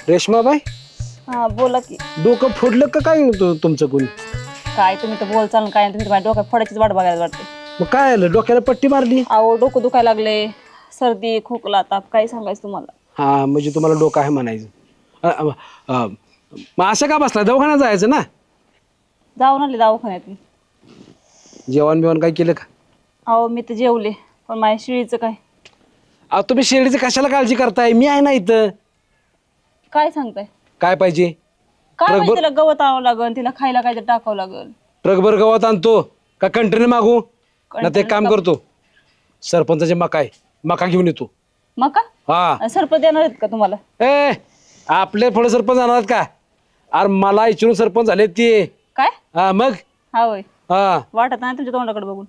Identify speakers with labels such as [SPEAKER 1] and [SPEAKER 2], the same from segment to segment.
[SPEAKER 1] रेश्माबाई,
[SPEAKER 2] हा बोला की.
[SPEAKER 1] डोकं फोडलं का काय तुमचं कोणी?
[SPEAKER 2] काय तुम्ही तर बोल चाल काय तुम्ही माझ्या डोक्यात फोडायचीच वाट बघायला वाटते.
[SPEAKER 1] मग काय आलं, डोक्याला पट्टी मारली?
[SPEAKER 2] अहो डोकं दुखायला लागले, सर्दी खोकला ताप काय सांगायचं तुम्हाला.
[SPEAKER 1] हा म्हणजे तुम्हाला डोकं आहे म्हणायचं. अ, अ, अ, मग असं का बसला, दवाखान्यात जायचं ना.
[SPEAKER 2] जाऊन आले दवाखान्यात.
[SPEAKER 1] जेवण बिवण काय केलं का?
[SPEAKER 2] अहो मी तर जेवले, पण माझ्या शिळीचं काय.
[SPEAKER 1] अहो तुम्ही शेळीची कशाला काळजी करताय, मी आहे ना इथं.
[SPEAKER 2] काय सांगताय?
[SPEAKER 1] काय पाहिजे?
[SPEAKER 2] काय
[SPEAKER 1] ट्रकभर-
[SPEAKER 2] माहिती, तिला गवत आणावं लागल, तिला खायला काहीतरी टाकावं लागल.
[SPEAKER 1] ट्रकभर गवत आणतो का कंटेनर मागू? ना ते काम
[SPEAKER 2] कंटेनर
[SPEAKER 1] करतो, सरपंचाचे मका आहे, मका घेऊन येतो.
[SPEAKER 2] मका
[SPEAKER 1] हा
[SPEAKER 2] सरपंच देणार आहेत का तुम्हाला?
[SPEAKER 1] ए, आपले थोडे सरपंच आणणार का? अरे मला इचून सरपंच झाले ते.
[SPEAKER 2] काय?
[SPEAKER 1] हा मग.
[SPEAKER 2] हा होय,
[SPEAKER 1] हा
[SPEAKER 2] वाटत नाही तुमच्या तोंडाकडे बघून.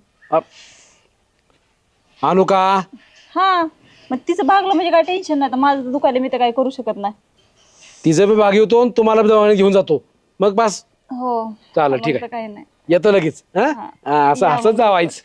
[SPEAKER 1] आणू का?
[SPEAKER 2] हा मग तिचं भागलं म्हणजे काय टेन्शन नाही, तर माझं दुखायला मी तर काय करू शकत नाही.
[SPEAKER 1] तिचं बी भाग येतो आणि तुम्हाला बी दवाखान्यात घेऊन जातो, मग बस.
[SPEAKER 2] हो
[SPEAKER 1] चालेल,
[SPEAKER 2] मग
[SPEAKER 1] ठीक
[SPEAKER 2] तर
[SPEAKER 1] आहे.
[SPEAKER 2] काही नाही.
[SPEAKER 1] येतो लगेच. हा
[SPEAKER 2] हा.
[SPEAKER 1] असं
[SPEAKER 2] या
[SPEAKER 1] असं
[SPEAKER 2] मग.
[SPEAKER 1] जावायचं.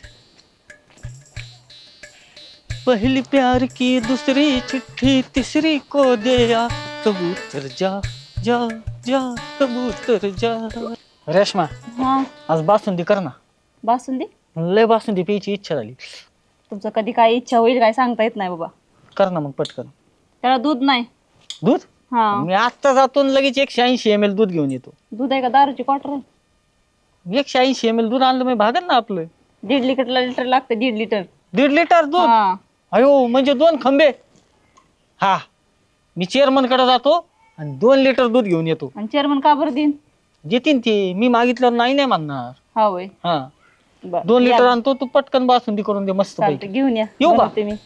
[SPEAKER 3] पहली प्यार की दूसरी चिट्ठी तीसरी को दिया कबूतर जा जा जा कबूतर जा. रेश्मा,
[SPEAKER 2] हा
[SPEAKER 3] आज बासुंदी कर ना.
[SPEAKER 2] बासुंदी?
[SPEAKER 3] लय बासुंदी प्यायची इच्छा झाली.
[SPEAKER 2] तुमचं कधी काय इच्छा होईल काय सांगता येत नाही बाबा.
[SPEAKER 3] कर ना मग पटकन.
[SPEAKER 2] त्याला दूध नाही.
[SPEAKER 3] दूध?
[SPEAKER 2] हा
[SPEAKER 3] मी आत्ता जातो आणि लगेच 180 ml दूध घेऊन येतो.
[SPEAKER 2] दूध आहे का दारूची क्वार्टर आहे?
[SPEAKER 3] 180 ml दूध आणलं मी भागन ना आपलं.
[SPEAKER 2] 1.5 लिटर लागतं, 1.5 लिटर.
[SPEAKER 3] 1.5 लिटर दूध?
[SPEAKER 2] हा
[SPEAKER 3] अयो म्हणजे 2 खंबे. हा, मी चेअरमन कडे जातो आणि 2 लिटर दूध घेऊन येतो.
[SPEAKER 2] आणि चेअरमन का बरं देईन?
[SPEAKER 3] देतीन ते, मी मागितलं नाही म्हणणार.
[SPEAKER 2] हा होय,
[SPEAKER 3] हा,
[SPEAKER 2] बरं
[SPEAKER 3] 2 लिटर
[SPEAKER 2] या.
[SPEAKER 3] आणतो, तू पटकन बासुंदी करून दे मस्त पैकी.
[SPEAKER 2] चालतं, घेऊन या.
[SPEAKER 3] येऊ का?
[SPEAKER 2] बनवते मी.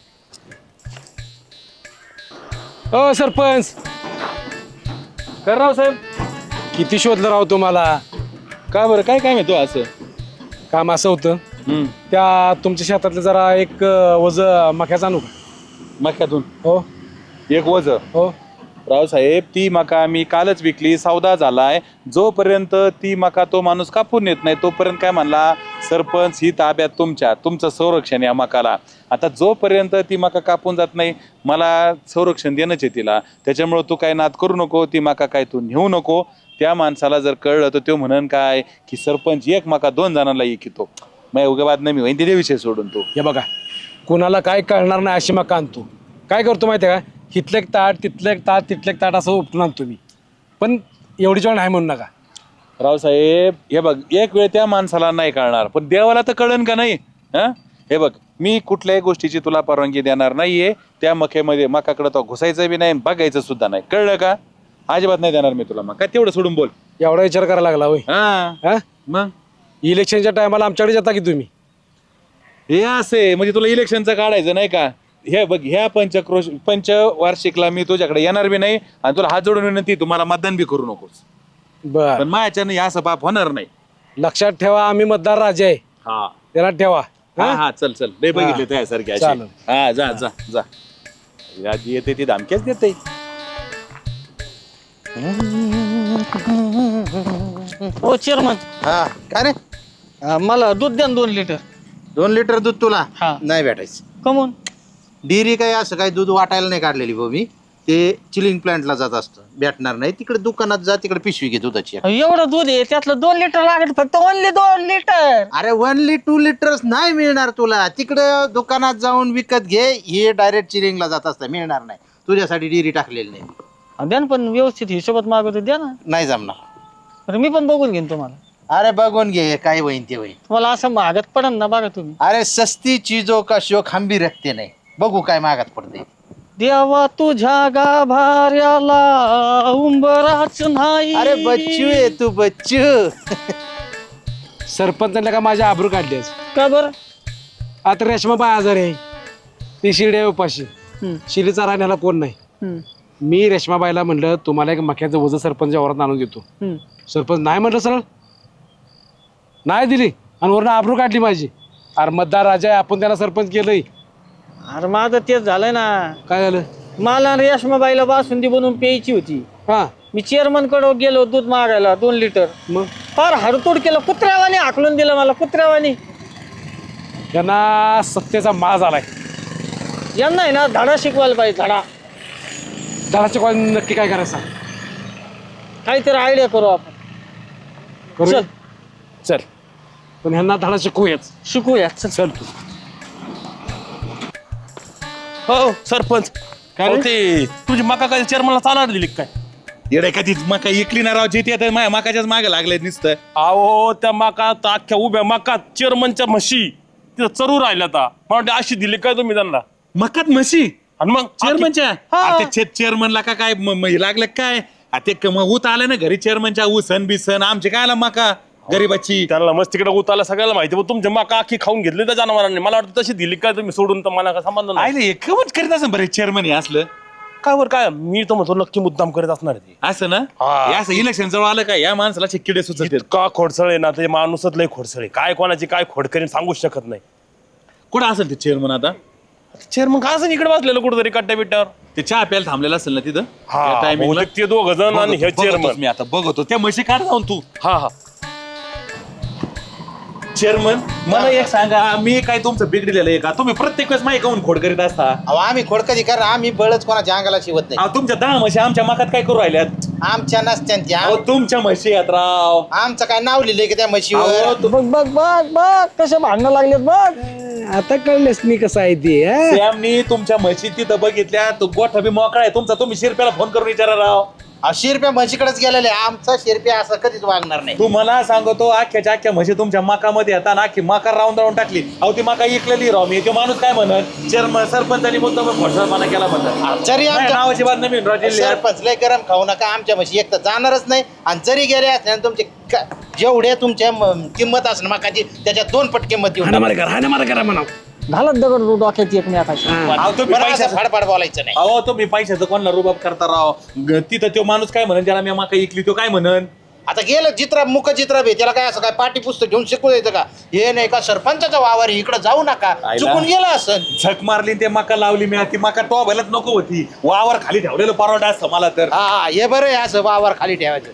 [SPEAKER 1] ओ सरपंच,
[SPEAKER 4] कर राव साहेब.
[SPEAKER 1] किती शोधलं राव तुम्हाला.
[SPEAKER 4] का बरं, काय काय मिळतो असं?
[SPEAKER 1] काम असं होतं, त्या तुमच्या शेतातलं जरा एक वज मक्याचं आणू का?
[SPEAKER 4] मक्यातून
[SPEAKER 1] हो
[SPEAKER 4] एक वज.
[SPEAKER 1] हो.
[SPEAKER 4] रावसाहेब, ती मका मी कालच विकली, सौदा झालाय. जोपर्यंत ती मका तो माणूस कापून येत नाही तोपर्यंत काय म्हणला, सरपंच ही ताब्यात तुमचं संरक्षण या मकाला. आता जोपर्यंत ती मका कापून जात नाही, मला संरक्षण देणंच आहे तिला. त्याच्यामुळे तू काय नाद करू नको, ती मका काय तू नेऊ नको. त्या माणसाला जर कळलं तर तो म्हणन काय की सरपंच एक मका 2 जणांना इकितो. मग उगा बाद नाही होईन, ते विषय सोडून तू.
[SPEAKER 1] हे बघा, कुणाला काय कळणार नाही अशी मका आणतो. काय करतो माहिती आहे का, इथलं एक ताट तिथलं एक ताट तिथलं एक ताट असं उपटून आणतो मी. पण एवढी जेवण आहे म्हणू नका.
[SPEAKER 4] रावसाहेब, हे बघ, एक वेळ त्या माणसाला नाही कळणार, पण देवाला तर कळन का नाही? हा, हे बघ, मी कुठल्याही गोष्टीची तुला परवानगी देणार नाहीये. त्या मकाकडे तो घुसायचं बी नाही, बघायचं सुद्धा नाही, कळलं का? अजिबात नाही देणार मी तुला. मग काय तेवढं सोडून बोल.
[SPEAKER 1] एवढा विचार करायला लागला होय.
[SPEAKER 4] हा,
[SPEAKER 1] हा,
[SPEAKER 4] मग
[SPEAKER 1] इलेक्शनच्या टायमाला आमच्याकडे येता की तुम्ही?
[SPEAKER 4] हे असे म्हणजे तुला इलेक्शनचं काढायचं नाही का? हे बघ, ह्या पंचवार्षिकला मी तुझ्याकडे येणार बी नाही आणि तुला हात जोडून विनंती, तुम्हाला मतदान बी करू नकोस.
[SPEAKER 1] बर,
[SPEAKER 4] पण माझ्यानं हे असं बाप होणार नाही.
[SPEAKER 1] लक्षात ठेवा, आम्ही मतदार राजा आहे,
[SPEAKER 4] हा
[SPEAKER 1] त्याला ठेवा.
[SPEAKER 4] हा हा, चल चल, लय बघितले त्यासारखे असे.
[SPEAKER 1] चालेल.
[SPEAKER 4] हा, जा जा जा. आधी येते ती धमक्याच देते.
[SPEAKER 3] हो चेअरमन,
[SPEAKER 5] हा काय रे,
[SPEAKER 3] मला दूध द्या ना 2 लिटर.
[SPEAKER 5] 2 लिटर दूध तुला
[SPEAKER 3] हा.
[SPEAKER 5] नाही भेटायचं.
[SPEAKER 3] कमून?
[SPEAKER 5] डेअरी काय असं काय दूध वाटायला नाही काढलेली भाऊ मी. ते चिलिंग प्लांटला जात असतं, भेटणार नाही. तिकडे दुकानात जा, तिकडे पिशवी घे दुधाची.
[SPEAKER 3] एवढं दूध आहे, त्यातलं 2 लिटर लागत, फक्त ओनली 2 लिटर.
[SPEAKER 5] अरे 2 लिटर्स नाही मिळणार तुला. तिकडे दुकानात जाऊन विकत घे. हे डायरेक्ट चिलिंगला जात असतं, मिळणार नाही. तुझ्यासाठी डेअरी टाकलेली नाही.
[SPEAKER 3] द्या ना, पण व्यवस्थित हिशोबात मागवतो, द्या ना.
[SPEAKER 5] नाही जमणार.
[SPEAKER 3] तर मी पण बघून घेईन तुम्हाला.
[SPEAKER 5] अरे बघून घे, काय होईन ते होईन.
[SPEAKER 3] तुम्हाला असं मागत पडन ना, बघा तुम्ही.
[SPEAKER 5] अरे सस्ती चीजों का शौक हम भी रखते नाही. बघू काय मागत पडते.
[SPEAKER 3] देवा तुझ्या गाभाऱ्याला उंबराच नाही.
[SPEAKER 5] अरे बच्चू आहे तू, बच्चू.
[SPEAKER 1] सरपंचाला का माझ्या आबरू काढलीस?
[SPEAKER 3] का बरं?
[SPEAKER 1] आता रेशमाबाई आजार आहे, ती शिडी आहे उपाशी. शिडीचा राहण्याला कोण नाही. मी रेशमाबाईला म्हणलं, तुम्हाला एक मक्याचं वजन सरपंच वावरात आणून देतो. सरपंच नाही म्हटलं, सरळ नाही दिली आणि वरून आबरू काढली माझी. अरे मतदार राजा आहे, आपण त्याला सरपंच केलंय.
[SPEAKER 3] अरे माझं तेच झालंय ना.
[SPEAKER 1] काय झालं?
[SPEAKER 3] मला रेशमाबाईला बासुंदी बनवून प्यायची होती.
[SPEAKER 1] हा,
[SPEAKER 3] मी चेअरमन कडे गेलो दूध मागायला 2 लिटर.
[SPEAKER 1] मग
[SPEAKER 3] फार हडतोड केलं, कुत्र्यावानी हाकलून दिलं मला, कुत्र्यावानी.
[SPEAKER 1] त्यांना सत्तेचा माज आलाय.
[SPEAKER 3] यांना आहे ना धडा शिकवायला पाहिजे, धडा.
[SPEAKER 1] झाडाच्या कॉल नक्की काय करायचं सांग.
[SPEAKER 3] काहीतरी आयडिया करू आपण.
[SPEAKER 1] करूया?
[SPEAKER 3] चल.
[SPEAKER 1] चल पण ह्यांना धडा शिकवूयाच.
[SPEAKER 3] शिकूया चल.
[SPEAKER 1] चल तू.
[SPEAKER 6] हो सरपंच
[SPEAKER 1] काय रे?
[SPEAKER 6] अहो, ते तुझी मका काय चेअरमनला चालणार दिली का काय?
[SPEAKER 4] येडे का ती मका इकली ना राव जिथे आता माझ्या मकाच्याच मागे लागले नुसतं.
[SPEAKER 6] अहो त्या मका तर अख्ख्या उभ्या मका चेअरमनच्या म्हशी तिथं चरू राहिल्या आता मला वाटतं अशी दिली काय तुम्ही त्यांना?
[SPEAKER 4] मकात म्हशी
[SPEAKER 6] आणि मग
[SPEAKER 4] चेअरमनच्या
[SPEAKER 6] हा.
[SPEAKER 4] चेअरमनला का काय लागलं काय ते ऊत आलं ना घरी चेअरमनच्या ऊसन बिसन आमचे काय आला मका गरीबाची.
[SPEAKER 6] त्यांना मस्त तिकडे उताला सगळ्याला माहिती पण तुमच्या मका अख्खी खाऊन घेतली त्या जनावरांनी. मला वाटतं तशी दिली काय तुम्ही सोडून तर मला काय संबंध नाही.
[SPEAKER 4] आयले कमच करीत असं बरं चेअरमन हे असलं
[SPEAKER 6] काय बरं काय मी तर म्हणतो नक्की मुद्दाम करत असणार आहे ते.
[SPEAKER 4] असं ना
[SPEAKER 6] हा.
[SPEAKER 4] हे असं इलेक्शन जवळ आलं का या माणसाला किडे सुचत
[SPEAKER 6] का खोडसळ आहे ना ते माणूसच लय खोडसळ आहे. काय कोणाची काय खोड करीन सांगूच शकत नाही.
[SPEAKER 4] कुठं असेल ते चेअरमन आता
[SPEAKER 6] चेअरमन का असं इकडे बसलेलं कुठेतरी कट्ट्या बिट्ट्यावर.
[SPEAKER 4] ते चहा प्यायला थांबलेलं असेल ना तिथं
[SPEAKER 6] हा
[SPEAKER 4] त्या timing ला?
[SPEAKER 6] बहुतेक ते दोघ जण आणि हे
[SPEAKER 4] बघतोच
[SPEAKER 6] चेअरमन.
[SPEAKER 4] मी आता बघतो त्या म्हशी काढ जाऊन तू.
[SPEAKER 6] हा हा
[SPEAKER 4] चेअरमन मला एक सांगा मी काय तुमचं बिघडलेलं आहे का तुम्ही प्रत्येक वेळेस माहिती काऊन खोड करीत असता.
[SPEAKER 5] अहो आम्ही खोडकधी कर आम्ही बळच कोणाच्या अंगाला शिवत नाही.
[SPEAKER 4] अहो, तुमच्या 10 म्हशी आमच्या मकात काय करू राहिल्यात.
[SPEAKER 5] आमच्या नसत्यांच्या
[SPEAKER 4] अहो तुमच्या म्हशी आहेत राव.
[SPEAKER 5] आमचं काय नाव लिहिलंय की त्या
[SPEAKER 4] अहो,
[SPEAKER 5] म्हशीवर.
[SPEAKER 3] बघ बघ बघ बघ कसे भांडणं लागलेत बघ.
[SPEAKER 1] आता कळलेस मी कसं आहे ते हा?
[SPEAKER 4] सॅमनी तुमच्या म्हशी तिथं बघितल्या तो गोठा बी मोकळा आहे तुमचा तुम्ही शिरप्याला फोन करून विचारा राव.
[SPEAKER 5] शिरप्या म्हशीकडेच गेलेले आमचा शिरप्या असं कधीच वागणार नाही.
[SPEAKER 4] तू मला सांगतो अख्ख्याच्या अख्ख्या म्हशी तुमच्या मकामध्ये येतात अख्खी मका राऊंड टाकली. अहो ती मका इकलेली राव मी तो माणूस काय म्हणत चेअरमन सरपंचानी मुद्दा घोषणापणा केला म्हणत
[SPEAKER 5] जरी आमच्या
[SPEAKER 4] नावाची बात नवीन राव जिल्ह्यात.
[SPEAKER 5] सरपंच लय गरम खाऊ नका आमच्या म्हशी एक तर जाणारच नाही आणि जरी गेले असले तुमचे जेवढे तुमच्या किंमत असणार मकाची त्याच्यात 2 पट किंमत देऊन
[SPEAKER 1] हाणामारी करा म्हणा.
[SPEAKER 3] घालत दगड डोक्यात एकमेकाची.
[SPEAKER 4] अहो तुम्ही
[SPEAKER 5] बरं असं
[SPEAKER 4] पैशाचं
[SPEAKER 5] फाडफाड बोलायचं नाही.
[SPEAKER 4] अहो तुम्ही पैशाचं कोणाला रुबाब करता राव तिथं तो माणूस काय म्हणन ज्याला मी मका इकली तो काय म्हणन.
[SPEAKER 5] आता गेलं चित्रा मुख चित्रा बे त्याला काय असं काय पाठी पुस्तक घेऊन शिकू द्यायचं का हे नाही का सरपंचाचा वावर इकडे जाऊ नका
[SPEAKER 4] आयला.
[SPEAKER 5] चुकून गेलं असं.
[SPEAKER 4] झक मारली ते मका लावली मी ती मका तो भलत नको होती वावर खाली ठेवलेलं परवडा असतं मला तर.
[SPEAKER 5] हा हे बरं आहे असं वावर खाली ठेवायचं.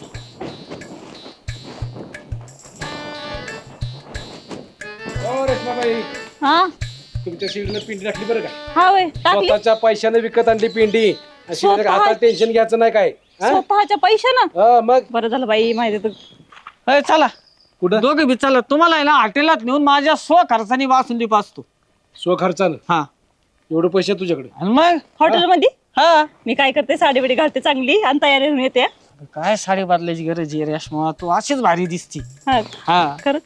[SPEAKER 1] हो रेश्माबाई
[SPEAKER 2] हा
[SPEAKER 1] तुमच्या शिडीला पिंडी टाकली बरं का.
[SPEAKER 2] हा वय टाकली
[SPEAKER 1] स्वतःच्या पैशाने विकत आणली पिंडी. अशी म्हणजे
[SPEAKER 2] स्वतः-
[SPEAKER 1] हातात टेन्शन घ्यायचं नाही काय हा?
[SPEAKER 2] स्वतःच्या पैशानं.
[SPEAKER 1] हा, मग
[SPEAKER 2] बरं झालं बाई माहिती तर.
[SPEAKER 3] ए, चला
[SPEAKER 1] कुठं
[SPEAKER 3] दोघे बी चला तुम्हाला आहे ना हॉटेलात नेऊन माझ्या खर्चानी बासुंदी पाचतो.
[SPEAKER 1] स्वखर्चानं
[SPEAKER 3] हा
[SPEAKER 1] एवढे पैसे तुझ्याकडे.
[SPEAKER 3] आणि मग
[SPEAKER 2] हॉटेलमध्ये
[SPEAKER 3] हा
[SPEAKER 2] मी काय करते साडी बिडी घालते चांगली आणि तयारी होऊन येते.
[SPEAKER 3] काय साडी बदलायची गरज आहे रेश्मा तू अशीच भारी दिसती.
[SPEAKER 2] हा
[SPEAKER 3] हा
[SPEAKER 2] खरंच.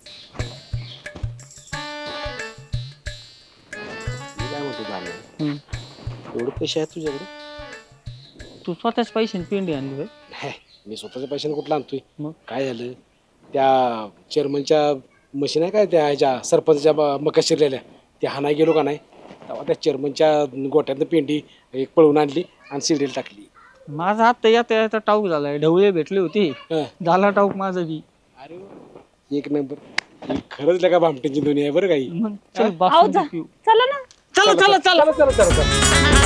[SPEAKER 1] मी काय म्हणतो जाणं,
[SPEAKER 3] हम्म.
[SPEAKER 1] एवढे पैसे आहेत तुझ्याकडे.
[SPEAKER 3] तू स्वतःच पैशाने पिंडी आणली होय?
[SPEAKER 1] हे, मी स्वतःच्या पैशाने कुठला आणतोय.
[SPEAKER 3] मग?
[SPEAKER 1] काय झालं त्या चेअरमनच्या मशीन आहे काय त्या ह्याच्या सरपंचच्या मका शिरलेल्या त्या हाणाय गेलो का नाही तेव्हा त्या चेअरमनच्या गोट्यातनं पेंडी एक पळवून आणली आणि सिरियल टाकली.
[SPEAKER 3] माझा हात तर येता टाऊक झालाय ढवळे भेटली होती
[SPEAKER 1] हं.
[SPEAKER 3] झाला टाऊक माझा बी.
[SPEAKER 1] अरे एक नंबर ही खरंच लगा भामटेची दुनिया आहे बरं काही.
[SPEAKER 3] मग चल
[SPEAKER 2] आहो
[SPEAKER 3] बासुंदी
[SPEAKER 2] जा
[SPEAKER 3] पिऊ.
[SPEAKER 2] चला ना.
[SPEAKER 3] चला चला चला
[SPEAKER 1] चला चला चला चला.